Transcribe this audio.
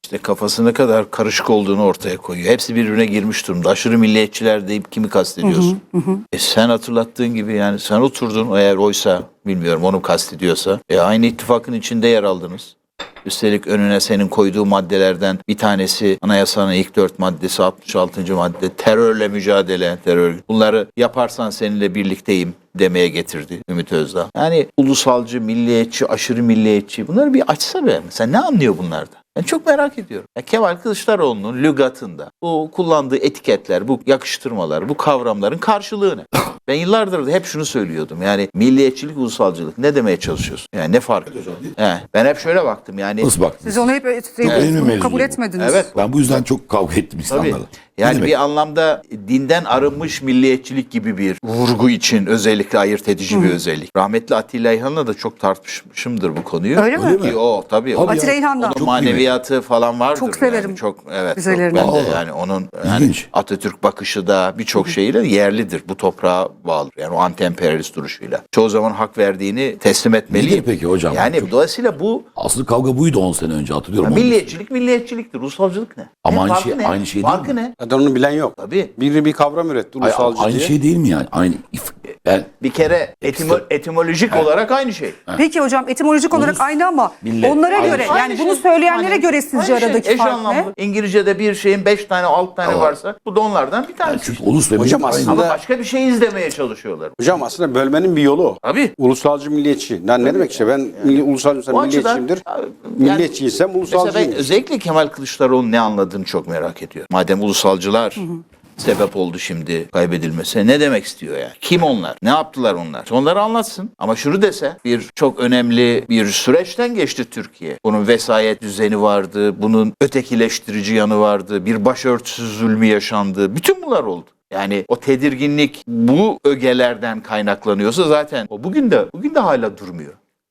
İşte kafası ne kadar karışık olduğunu ortaya koyuyor. Hepsi birbirine girmiş durumda. Aşırı milliyetçiler deyip kimi kastediyorsun? Sen hatırlattığın gibi yani sen oturdun, eğer oysa bilmiyorum onu kastediyorsa. Aynı ittifakın içinde yer aldınız. Üstelik önüne senin koyduğu maddelerden bir tanesi anayasanın ilk 4 maddesi, 66. madde terörle mücadele, terör. Bunları yaparsan seninle birlikteyim demeye getirdi Ümit Özdağ. Yani ulusalcı, milliyetçi, aşırı milliyetçi, bunları bir açsa be. Sen ne anlıyor bunlardan? Ben çok merak ediyorum. Kemal Kılıçdaroğlu'nun lügatında bu kullandığı etiketler, bu yakıştırmalar, bu kavramların karşılığı ne? Ben yıllardır da hep şunu söylüyordum. Yani milliyetçilik, ulusalcılık ne demeye çalışıyorsun? Yani ne fark? Ben hep şöyle baktım yani. Nasıl baktınız? Siz onu hep kabul etmediniz. Evet. Ben bu yüzden çok kavga ettim Tabii. insanlarla. Yani bir anlamda dinden arınmış milliyetçilik gibi bir vurgu için özellikle ayırt edici bir özellik. Rahmetli Atilla İlhan'la da çok tartışmışımdır bu konuyu. Öyle mi? Öyle mi? O tabii. Tabii Atilla İlhan'dan. Onun maneviyatı falan vardır. Çok severim. Yani. Çok evet. Güzellerini. Çok, ben de Allah. yani onun yani İlginç. Atatürk bakışı da birçok şeyle yerlidir. Bu toprağa bağlı. Yani o anti-emperyalist duruşuyla. Çoğu zaman hak verdiğini teslim etmeliyim. Nedir peki hocam? Yani dolayısıyla bu Asıl kavga buydu 10 sene önce, hatırlıyorum. milliyetçilik milliyetçiliktir. Ulusalcılık ne? Ama Ne aynı farkı şey- ne? aynı şey değil Farkı mi? ne? Zaten onu bilen yok. Tabii. Biri bir kavram üretti Ay, ulusalcı aynı diye. şey değil mi yani? Aynı yani Bir kere etimolojik olarak aynı şey. Peki hocam etimolojik olarak aynı ama millet, onlara aynı göre şey. yani bunu söyleyenlere göre sizce Aynı şey, aradaki eş fark anlamlı. ne? İngilizce'de bir şeyin 5 tane 6 tane varsa bu da onlardan bir tanesi. çünkü ulus ve Hocam millet aslında- aynı. Ama başka bir şey izlemeye çalışıyorlar. Hocam aslında bölmenin bir yolu o. Tabii. Ulusalcı milliyetçi. Yani ne demek işte ben ulusalcıysam O açıdan milliyetçiyimdir. yani Milliyetçiysem mesela ben ulusalcıyım. özellikle Kemal Kılıçdaroğlu'nun ne anladığını çok merak ediyorum. Madem ulusalcılar sebep oldu şimdi kaybedilmesine, ne demek istiyor yani? Kim onlar? Ne yaptılar onlar? Onları anlatsın. Ama şunu dese, bir çok önemli bir süreçten geçti Türkiye. Bunun vesayet düzeni vardı, bunun ötekileştirici yanı vardı, bir başörtüsü zulmü yaşandı. Bütün bunlar oldu. Yani o tedirginlik bu ögelerden kaynaklanıyorsa zaten o bugün de hala durmuyor.